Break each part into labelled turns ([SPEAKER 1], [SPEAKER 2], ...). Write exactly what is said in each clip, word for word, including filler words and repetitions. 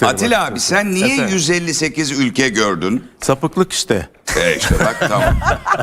[SPEAKER 1] Atilla abi sen niye
[SPEAKER 2] Efendim?
[SPEAKER 1] yüz elli sekiz ülke gördün?
[SPEAKER 2] Sapıklık işte.
[SPEAKER 1] E işte bak tamam.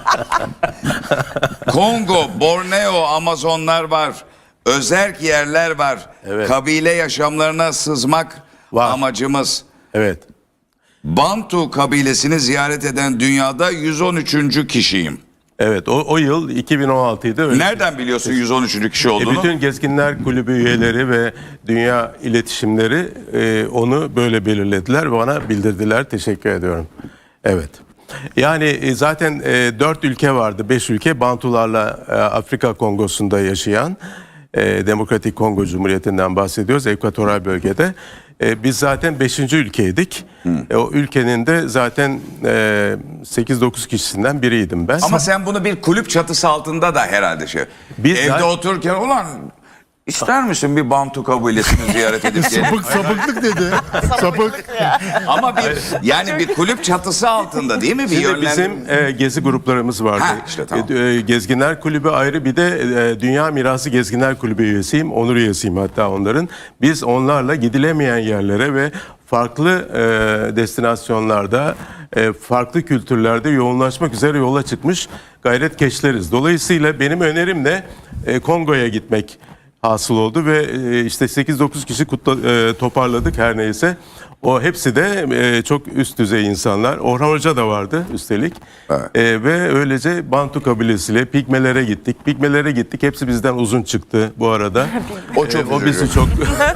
[SPEAKER 1] Kongo, Borneo, Amazonlar var. Özerk yerler var.
[SPEAKER 2] Evet.
[SPEAKER 1] Kabile yaşamlarına sızmak
[SPEAKER 2] Var.
[SPEAKER 1] amacımız.
[SPEAKER 2] Evet.
[SPEAKER 1] Bantu kabilesini ziyaret eden dünyada yüz on üçüncü kişiyim.
[SPEAKER 2] Evet. O, o yıl iki bin on altıydı. Öyle.
[SPEAKER 1] Nereden biliyorsun yüz on üçüncü kişi
[SPEAKER 2] E,
[SPEAKER 1] olduğunu?
[SPEAKER 2] bütün Gezginler Kulübü üyeleri ve dünya iletişimleri e, onu böyle belirlediler ve bana bildirdiler. Teşekkür ediyorum. Evet. Yani e, zaten e, dört ülke vardı. Beş ülke Bantularla e, Afrika Kongosu'nda yaşayan e, Demokratik Kongo Cumhuriyeti'nden bahsediyoruz. Ekvatoral bölgede. E, biz zaten beşinci ülkeydik. E, o ülkenin de zaten e, sekiz dokuz kişisinden biriydim ben.
[SPEAKER 1] Ama sen bunu bir kulüp çatısı altında da herhalde şey.
[SPEAKER 2] Biz
[SPEAKER 1] Evde
[SPEAKER 2] zaten-
[SPEAKER 1] otururken ulan ister misin bir Bantu kabilesini ziyaret edip gelin?
[SPEAKER 3] Sapık, sapıklık dedi. Sapık.
[SPEAKER 1] Ama bir yani bir kulüp çatısı altında değil mi? Bir
[SPEAKER 2] Şimdi
[SPEAKER 1] yönlendirme-
[SPEAKER 2] bizim e, gezi gruplarımız vardı.
[SPEAKER 1] Ha, işte tamam.
[SPEAKER 2] E, e, Gezginler Kulübü ayrı, bir de e, Dünya Mirası Gezginler Kulübü üyesiyim. Onur üyesiyim hatta onların. Biz onlarla gidilemeyen yerlere ve farklı e, destinasyonlarda, e, farklı kültürlerde yoğunlaşmak üzere yola çıkmış gayretkeşleriz. Dolayısıyla benim önerim de e, Kongo'ya gitmek hasıl oldu ve e, işte sekiz dokuz kişi kutla, e, toparladık her neyse. O hepsi de e, çok üst düzey insanlar. Orhan Hoca da vardı üstelik.
[SPEAKER 1] Evet.
[SPEAKER 2] E, ve öylece Bantu kabilesiyle Pigmelere gittik. Pigmelere gittik. Hepsi bizden uzun çıktı bu arada.
[SPEAKER 1] O çok
[SPEAKER 2] E, o bizi
[SPEAKER 1] üzücü.
[SPEAKER 2] çok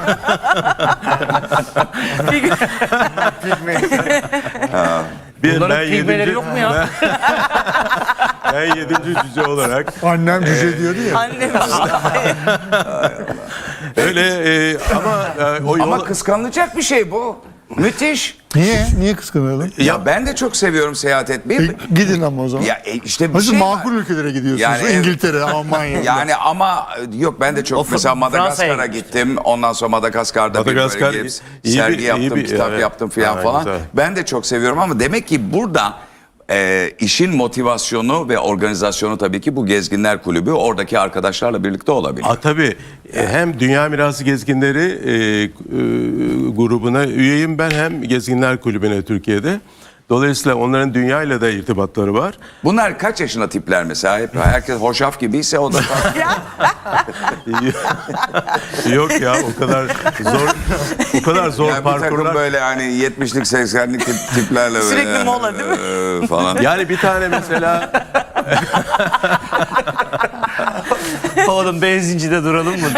[SPEAKER 2] bir
[SPEAKER 4] Bunların
[SPEAKER 2] ben
[SPEAKER 4] pigmeleri
[SPEAKER 2] yedinci,
[SPEAKER 4] yok mu ya?
[SPEAKER 2] ben yedinci cüce olarak
[SPEAKER 3] Annem cüce diyordu ya.
[SPEAKER 5] Annem
[SPEAKER 2] öyle e, ama e, o yol,
[SPEAKER 1] Ama kıskanılacak bir şey bu. Müthiş.
[SPEAKER 3] Niye? Niye kıskanalım?
[SPEAKER 1] Ya ben de çok seviyorum seyahat etmeyi.
[SPEAKER 3] E, gidin ama o zaman.
[SPEAKER 1] Ya e, işte bir
[SPEAKER 3] Nasıl
[SPEAKER 1] şey var.
[SPEAKER 3] makul ülkelere gidiyorsunuz?
[SPEAKER 1] Yani evet.
[SPEAKER 3] İngiltere, Almanya.
[SPEAKER 1] Yani ama yok ben de çok
[SPEAKER 4] O
[SPEAKER 1] mesela
[SPEAKER 4] Fransa'ya
[SPEAKER 1] Madagaskar'a
[SPEAKER 4] gitmiş.
[SPEAKER 1] gittim. Ondan sonra Madagaskar'da
[SPEAKER 2] Madagaskar
[SPEAKER 1] bir böyle gelip
[SPEAKER 2] iyi
[SPEAKER 1] sergi
[SPEAKER 2] bir- iyi
[SPEAKER 1] yaptım,
[SPEAKER 2] bir-
[SPEAKER 1] kitap
[SPEAKER 2] evet.
[SPEAKER 1] yaptım filan
[SPEAKER 2] Ha,
[SPEAKER 1] falan.
[SPEAKER 2] güzel.
[SPEAKER 1] Ben de çok seviyorum ama demek ki burada e, işin motivasyonu ve organizasyonu tabii ki bu Gezginler Kulübü oradaki arkadaşlarla birlikte olabilir.
[SPEAKER 2] A, tabii. E, Hem Dünya Mirası Gezginleri e, e, grubuna üyeyim ben, hem Gezginler Kulübü'ne Türkiye'de. Dolayısıyla onların dünyayla da irtibatları var.
[SPEAKER 1] Bunlar kaç yaşında tipler mesela? Hep herkes hoşaf gibiyse o da
[SPEAKER 2] Yok ya, o kadar zor o kadar zor
[SPEAKER 1] yani bir takım
[SPEAKER 2] parkurlar.
[SPEAKER 1] böyle hani yetmişlik seksenlik tip, tiplerle böyle.
[SPEAKER 5] Sürekli
[SPEAKER 1] yani,
[SPEAKER 5] mola değil mi?
[SPEAKER 1] e, falan.
[SPEAKER 2] Yani bir tane mesela
[SPEAKER 4] Oğlum benzincide duralım mı?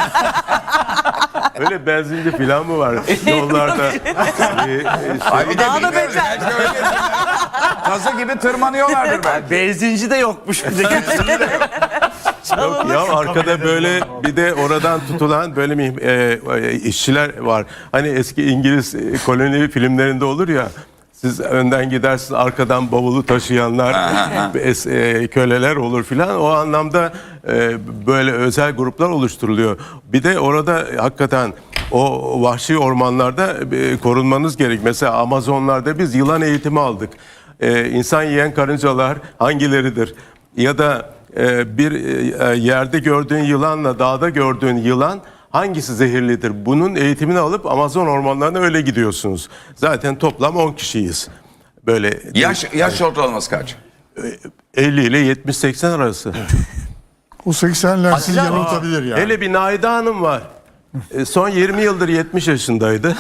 [SPEAKER 2] öyle benzinci falan mı var yollarda? E, e,
[SPEAKER 1] Ay bir de
[SPEAKER 5] Daha da
[SPEAKER 1] bilmiyorum,
[SPEAKER 5] beter.
[SPEAKER 1] belki öyle Tazı gibi tırmanıyorlardır belki.
[SPEAKER 4] Benzinci de yokmuş bir de.
[SPEAKER 2] Yok ya, arkada böyle bir de oradan tutulan böyle mi e, işçiler var. Hani eski İngiliz e, koloni filmlerinde olur ya. Siz önden gidersiniz, arkadan bavulu taşıyanlar, es- e, köleler olur filan. O anlamda e, böyle özel gruplar oluşturuluyor. Bir de orada hakikaten o vahşi ormanlarda e, korunmanız gerek. Mesela Amazonlarda biz yılan eğitimi aldık. E, insan yiyen karıncalar hangileridir? Ya da e, bir e, yerde gördüğün yılanla dağda gördüğün yılan hangisi zehirlidir? Bunun eğitimini alıp Amazon ormanlarına öyle gidiyorsunuz. Zaten toplam on kişiyiz. Böyle
[SPEAKER 1] Yaş, yaş ortalaması kaç?
[SPEAKER 2] elli ile yetmiş seksen arası.
[SPEAKER 3] O seksenler sizi
[SPEAKER 4] Atilla-
[SPEAKER 3] yanıltabilir yani.
[SPEAKER 2] Hele bir Naide Hanım var. E, Son yirmi yıldır yetmiş yaşındaydı.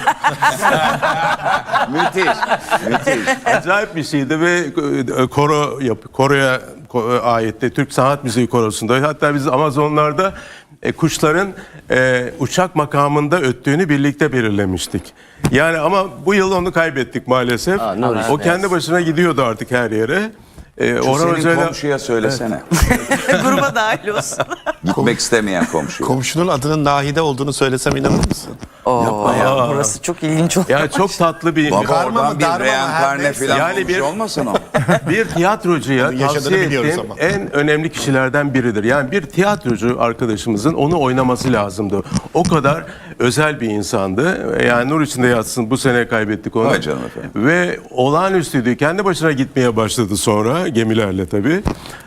[SPEAKER 1] Müthiş. Müthiş.
[SPEAKER 2] Acayip bir şeydi ve e, koro yap, koroya ko- aitti. Türk Sanat Müziği Korosu'nda. Hatta biz Amazonlarda e, kuşların e, uçak makamında öttüğünü birlikte belirlemiştik. Yani ama bu yıl onu kaybettik maalesef.
[SPEAKER 4] Aa, ne
[SPEAKER 2] o kendi başına gidiyordu artık her yere. E, Orhan
[SPEAKER 1] Senin
[SPEAKER 2] Hoca'yla
[SPEAKER 1] komşuya söylesene.
[SPEAKER 5] Gruba dahil olsun.
[SPEAKER 1] Gitmek istemeyen komşu.
[SPEAKER 6] Komşunun adının Nahide olduğunu söylesem inanır mısın?
[SPEAKER 5] Oo, ya, burası çok ilginç oldu.
[SPEAKER 2] ya çok tatlı bir
[SPEAKER 1] Baba
[SPEAKER 6] Karma
[SPEAKER 1] oradan
[SPEAKER 6] mı,
[SPEAKER 1] bir
[SPEAKER 6] darma mı, her
[SPEAKER 1] reenkarne
[SPEAKER 6] neyse.
[SPEAKER 1] falan
[SPEAKER 2] Yani
[SPEAKER 1] olmuş
[SPEAKER 2] bir-
[SPEAKER 1] olmasın o.
[SPEAKER 2] bir tiyatrocuya
[SPEAKER 6] Onun yaşadığını
[SPEAKER 2] tavsiye
[SPEAKER 6] biliyoruz
[SPEAKER 2] ettiğim
[SPEAKER 6] ama.
[SPEAKER 2] en önemli kişilerden biridir. Yani bir tiyatrocu arkadaşımızın onu oynaması lazımdı. O kadar özel bir insandı. Yani nur içinde yatsın, bu sene kaybettik onu.
[SPEAKER 1] Vay canına efendim.
[SPEAKER 2] Ve olağanüstüydü. Kendi başına gitmeye başladı sonra, gemilerle tabii.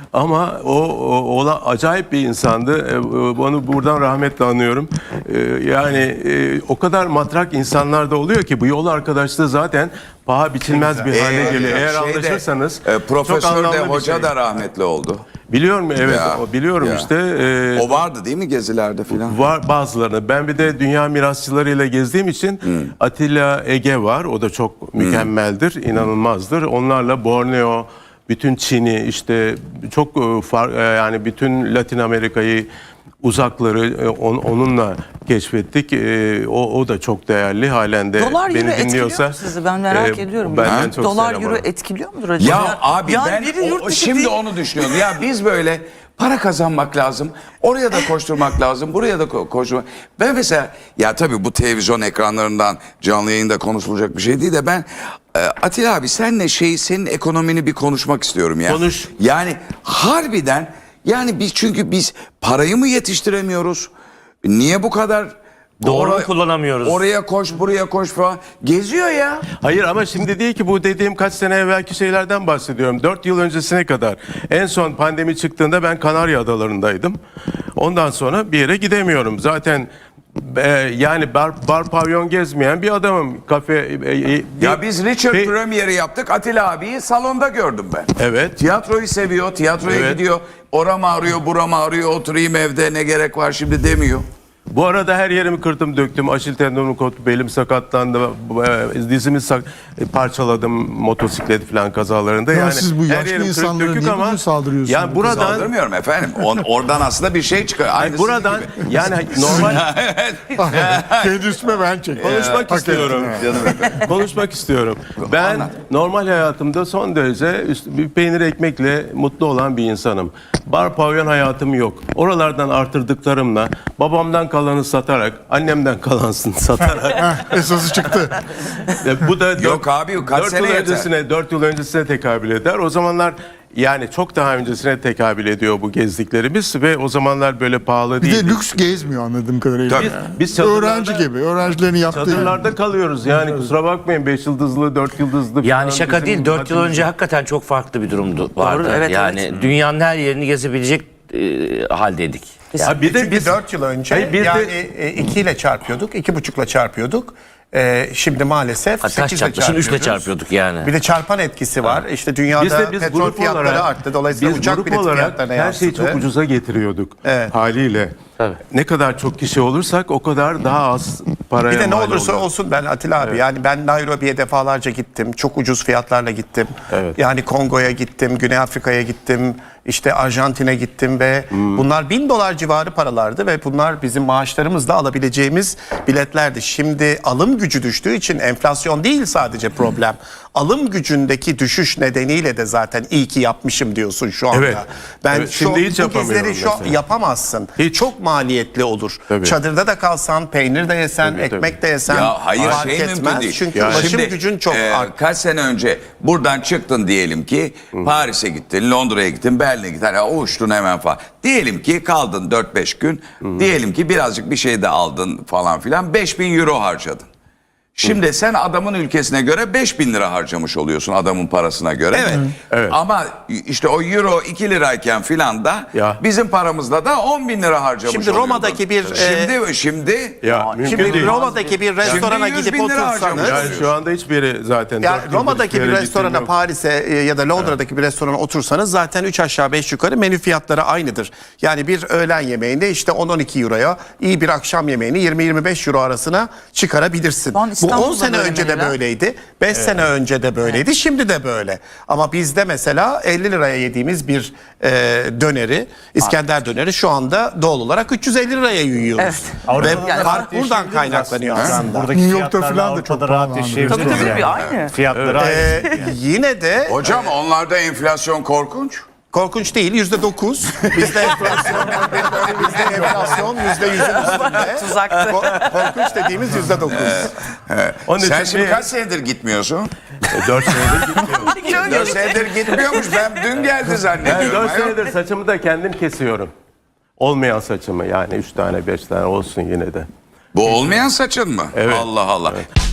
[SPEAKER 2] Ama o, o, o acayip bir insandı. E, Onu buradan rahmetle anıyorum. E, Yani e, o kadar matrak insanlar da oluyor ki bu yol arkadaşlığı zaten paha biçilmez bir hale
[SPEAKER 1] Ee,
[SPEAKER 2] geliyor. Eğer
[SPEAKER 1] şeyde,
[SPEAKER 2] anlaşırsanız
[SPEAKER 1] e,
[SPEAKER 2] çok
[SPEAKER 1] profesör
[SPEAKER 2] anlamlı
[SPEAKER 1] de
[SPEAKER 2] bir
[SPEAKER 1] hoca
[SPEAKER 2] şey.
[SPEAKER 1] da rahmetli oldu.
[SPEAKER 2] Biliyorum evet
[SPEAKER 1] Ya,
[SPEAKER 2] o biliyorum
[SPEAKER 1] ya.
[SPEAKER 2] işte. E,
[SPEAKER 1] O vardı değil mi gezilerde filan?
[SPEAKER 2] Var bazılarını. Ben bir de dünya mirasçılarıyla gezdiğim için Atilla Ege var. O da çok mükemmeldir, inanılmazdır. Onlarla Borneo, bütün Çin'i işte çok e, far, e, yani bütün Latin Amerika'yı uzakları e, on- onunla keşfettik. E, o, o da çok değerli halen de
[SPEAKER 5] Dolar euro
[SPEAKER 2] beni
[SPEAKER 5] etkiliyor
[SPEAKER 2] dinliyorsa.
[SPEAKER 5] mu sizi? Ben merak
[SPEAKER 2] e,
[SPEAKER 5] ediyorum.
[SPEAKER 2] benden
[SPEAKER 5] Ya.
[SPEAKER 2] çok
[SPEAKER 5] Dolar
[SPEAKER 2] selam
[SPEAKER 5] euro
[SPEAKER 2] var.
[SPEAKER 5] etkiliyor mudur acaba?
[SPEAKER 1] Ya abi
[SPEAKER 5] Yani
[SPEAKER 1] ben
[SPEAKER 5] biri yurt
[SPEAKER 1] o-
[SPEAKER 5] dışı
[SPEAKER 1] şimdi
[SPEAKER 5] değil.
[SPEAKER 1] onu düşünüyorum. Ya biz böyle para kazanmak lazım. Oraya da koşturmak lazım. Buraya da ko- koşturmak. Ben mesela ya tabii bu televizyon ekranlarından canlı yayında konuşulacak bir şey değil de ben e, Atilla abi senle şey senin ekonomini bir konuşmak istiyorum ya.
[SPEAKER 2] Konuş.
[SPEAKER 1] Yani harbiden yani biz çünkü biz parayı mı yetiştiremiyoruz? Niye bu kadar
[SPEAKER 4] Doğru
[SPEAKER 1] Oraya-
[SPEAKER 4] kullanamıyoruz.
[SPEAKER 1] Oraya koş, buraya koş falan. Geziyor ya.
[SPEAKER 2] Hayır ama şimdi değil ki bu dediğim kaç sene evvelki şeylerden bahsediyorum. Dört yıl öncesine kadar. En son pandemi çıktığında ben Kanarya Adaları'ndaydım. Ondan sonra bir yere gidemiyorum. Zaten e, yani bar, bar pavyon gezmeyen bir adamım. Kafe... e, e,
[SPEAKER 1] Ya
[SPEAKER 2] bir-
[SPEAKER 1] biz Richard
[SPEAKER 2] bir-
[SPEAKER 1] Premier'i yaptık. Atilla abiyi salonda gördüm ben.
[SPEAKER 2] Evet.
[SPEAKER 1] Tiyatroyu seviyor, tiyatroya
[SPEAKER 2] Evet.
[SPEAKER 1] gidiyor. Oram ağrıyor, buram ağrıyor, oturayım evde ne gerek var şimdi demiyor.
[SPEAKER 2] Bu arada her yerimi kırdım döktüm. Aşil tendonumu koptu, belim sakatlandı. e, Dizimi sak- e, parçaladım motosiklet falan kazalarında.
[SPEAKER 3] Ya
[SPEAKER 2] yani
[SPEAKER 3] siz bu
[SPEAKER 2] her
[SPEAKER 3] yaşlı
[SPEAKER 2] yerim kırık
[SPEAKER 3] insanlara
[SPEAKER 2] dökük
[SPEAKER 3] niye
[SPEAKER 2] ama
[SPEAKER 3] bugün saldırıyorsunuz?
[SPEAKER 2] Yani buradan
[SPEAKER 1] Saldırmıyorum efendim. On, oradan aslında bir şey çıkıyor.
[SPEAKER 2] Ay,
[SPEAKER 1] Aynısı
[SPEAKER 2] buradan
[SPEAKER 1] gibi.
[SPEAKER 2] yani normal
[SPEAKER 3] Kendi üstüme ben çek.
[SPEAKER 2] konuşmak istiyorum. Konuşmak istiyorum. Ben
[SPEAKER 1] Anlat.
[SPEAKER 2] normal hayatımda son derece üst- bir peynir ekmekle mutlu olan bir insanım. Bar pavyon hayatım yok. Oralardan artırdıklarımla babamdan kalanı satarak, annemden kalansın satarak.
[SPEAKER 3] Heh, esası çıktı.
[SPEAKER 2] E, bu da
[SPEAKER 1] Yok abi, kaç
[SPEAKER 2] dört
[SPEAKER 1] sene
[SPEAKER 2] yıl
[SPEAKER 1] yeter?
[SPEAKER 2] öncesine, dört yıl öncesine tekabül eder. O zamanlar yani çok daha öncesine tekabül ediyor bu gezdiklerimiz ve o zamanlar böyle pahalı
[SPEAKER 3] Bir
[SPEAKER 2] değil.
[SPEAKER 3] de lüks gezmiyor anladığım kadarıyla.
[SPEAKER 2] Biz, biz çadırlarda,
[SPEAKER 3] Öğrenci gibi. Öğrencilerin yaptığı gibi.
[SPEAKER 2] çadırlarda kalıyoruz. Yani kusura bakmayın beş yıldızlı, dört yıldızlı
[SPEAKER 4] Yani
[SPEAKER 2] falan
[SPEAKER 4] şaka
[SPEAKER 2] bizim
[SPEAKER 4] değil. dört yıl
[SPEAKER 2] haddimiz-
[SPEAKER 4] önce hakikaten çok farklı bir durumdu vardı.
[SPEAKER 5] evet,
[SPEAKER 4] yani
[SPEAKER 5] evet.
[SPEAKER 4] dünyanın her yerini gezebilecek e, haldeydik.
[SPEAKER 2] Ya bir de
[SPEAKER 7] Çünkü
[SPEAKER 2] biz
[SPEAKER 7] dört yıl önce
[SPEAKER 2] Hayır, bir de-
[SPEAKER 7] yani e, iki ile çarpıyorduk, iki buçukla çarpıyorduk. E, şimdi maalesef
[SPEAKER 4] Taş
[SPEAKER 7] sekizle
[SPEAKER 4] çarptı. Şimdi üçle
[SPEAKER 7] çarpıyoruz.
[SPEAKER 4] çarpıyorduk yani.
[SPEAKER 7] Bir de çarpan etkisi var. İşte dünyada
[SPEAKER 2] biz de biz
[SPEAKER 7] petrol
[SPEAKER 2] grup
[SPEAKER 7] fiyatları
[SPEAKER 2] olarak
[SPEAKER 7] arttı. Dolayısıyla
[SPEAKER 2] biz
[SPEAKER 7] uçak
[SPEAKER 2] grup
[SPEAKER 7] bilet
[SPEAKER 2] olarak
[SPEAKER 7] fiyatlarına
[SPEAKER 2] her şeyi
[SPEAKER 7] yansıdı.
[SPEAKER 2] çok ucuza getiriyorduk
[SPEAKER 7] Evet.
[SPEAKER 2] haliyle.
[SPEAKER 4] Tabii.
[SPEAKER 2] Ne kadar çok kişi olursak o kadar daha az paraya
[SPEAKER 7] Bir de ne
[SPEAKER 2] mal
[SPEAKER 7] olursa
[SPEAKER 2] oluyor.
[SPEAKER 7] olsun ben Atilla abi yani ben Nairobi'ye defalarca gittim. Çok ucuz fiyatlarla gittim.
[SPEAKER 2] Evet.
[SPEAKER 7] Yani Kongo'ya gittim, Güney Afrika'ya gittim. İşte Arjantin'e gittim ve bunlar bin dolar civarı paralardı ve bunlar bizim maaşlarımızla alabileceğimiz biletlerdi. Şimdi alım gücü düştüğü için enflasyon değil sadece problem. Alım gücündeki düşüş nedeniyle de zaten iyi ki yapmışım diyorsun şu anda.
[SPEAKER 2] Evet.
[SPEAKER 7] Ben
[SPEAKER 2] Evet,
[SPEAKER 7] şu,
[SPEAKER 2] şimdi hiç
[SPEAKER 7] bu
[SPEAKER 2] yapamıyorum
[SPEAKER 7] gezileri şu an
[SPEAKER 2] mesela.
[SPEAKER 7] yapamazsın.
[SPEAKER 2] Hiç.
[SPEAKER 7] Çok maliyetli olur.
[SPEAKER 2] Tabii.
[SPEAKER 7] Çadırda da kalsan, peynir de yesen,
[SPEAKER 2] Tabii,
[SPEAKER 7] ekmek
[SPEAKER 2] tabii.
[SPEAKER 7] de yesen
[SPEAKER 1] Ya hayır
[SPEAKER 7] fark
[SPEAKER 1] şey mümkün
[SPEAKER 7] etmez.
[SPEAKER 1] değil.
[SPEAKER 7] Çünkü
[SPEAKER 2] Yani.
[SPEAKER 7] ulaşım
[SPEAKER 1] Şimdi,
[SPEAKER 7] gücün çok
[SPEAKER 1] e,
[SPEAKER 7] arttı.
[SPEAKER 1] kaç sene önce buradan çıktın diyelim ki Paris'e gittin, Londra'ya gittin, Berlin'e gittin. Hani uçtun hemen falan. Diyelim ki kaldın dört beş gün. Diyelim ki birazcık bir şey de aldın falan filan. beş bin euro harcadın. Şimdi sen adamın ülkesine göre beş bin lira harcamış oluyorsun adamın parasına göre. Evet.
[SPEAKER 2] Evet.
[SPEAKER 1] Ama işte o euro iki lirayken filan da
[SPEAKER 2] Ya.
[SPEAKER 1] bizim paramızla da on bin lira harcamış
[SPEAKER 7] Şimdi
[SPEAKER 1] oluyordun.
[SPEAKER 7] Roma'daki bir,
[SPEAKER 1] Şimdi, şimdi
[SPEAKER 2] Ya, mümkün
[SPEAKER 7] Şimdi
[SPEAKER 2] değil.
[SPEAKER 7] Roma'daki bir restorana
[SPEAKER 1] yüz
[SPEAKER 7] gidip
[SPEAKER 1] bin lira
[SPEAKER 7] otursanız
[SPEAKER 1] harcamış.
[SPEAKER 2] Yani şu anda hiçbiri zaten.
[SPEAKER 7] yani
[SPEAKER 2] dört yıldır
[SPEAKER 7] Roma'daki
[SPEAKER 2] hiçbir
[SPEAKER 7] bir
[SPEAKER 2] yere
[SPEAKER 7] restorana,
[SPEAKER 2] gittiğim yok.
[SPEAKER 7] Paris'e e, ya da Londra'daki bir restorana otursanız zaten üç aşağı beş yukarı menü fiyatları aynıdır. Yani bir öğlen yemeğinde işte on on iki euroya iyi bir akşam yemeğini yirmi yirmi beş euro arasına çıkarabilirsin.
[SPEAKER 5] Şu an
[SPEAKER 7] Bu on
[SPEAKER 5] İstanbul'da
[SPEAKER 7] sene
[SPEAKER 5] böyle
[SPEAKER 7] önce de
[SPEAKER 5] menüler.
[SPEAKER 7] böyleydi. beş sene önce de böyleydi. Şimdi de böyle. Ama bizde mesela elli liraya yediğimiz bir e, döneri, İskender döneri şu anda doğal olarak üç yüz elli liraya yiyoruz.
[SPEAKER 5] Evet.
[SPEAKER 7] Ve
[SPEAKER 5] Avrupa'da da
[SPEAKER 7] fark buradan kaynaklanıyor aslında.
[SPEAKER 3] New York'ta falan da çok pahalı abi.
[SPEAKER 5] Tabii tabii aynı.
[SPEAKER 4] Fiyatları aynı.
[SPEAKER 7] Ee, yine de
[SPEAKER 1] hocam onlarda enflasyon korkunç.
[SPEAKER 7] korkunç değil, yüzde dokuz. Bizde enflasyon, bizde enflasyon yüzde yüzün üstünde.
[SPEAKER 5] Tuzaktı.
[SPEAKER 7] Ko- korkunç dediğimiz yüzde dokuz.
[SPEAKER 2] Onun
[SPEAKER 1] Sen
[SPEAKER 2] için
[SPEAKER 1] şimdi
[SPEAKER 2] bir-
[SPEAKER 1] kaç senedir gitmiyorsun?
[SPEAKER 2] dört senedir gitmiyorum.
[SPEAKER 1] dört senedir gitmiyormuş. Ben dün geldi
[SPEAKER 2] Ben
[SPEAKER 1] zannediyorum.
[SPEAKER 2] dört
[SPEAKER 1] Ayol.
[SPEAKER 2] senedir saçımı da kendim kesiyorum. Olmayan saçımı yani üç tane beş tane olsun yine de.
[SPEAKER 1] Bu olmayan saçın mı?
[SPEAKER 2] Evet.
[SPEAKER 1] Allah Allah.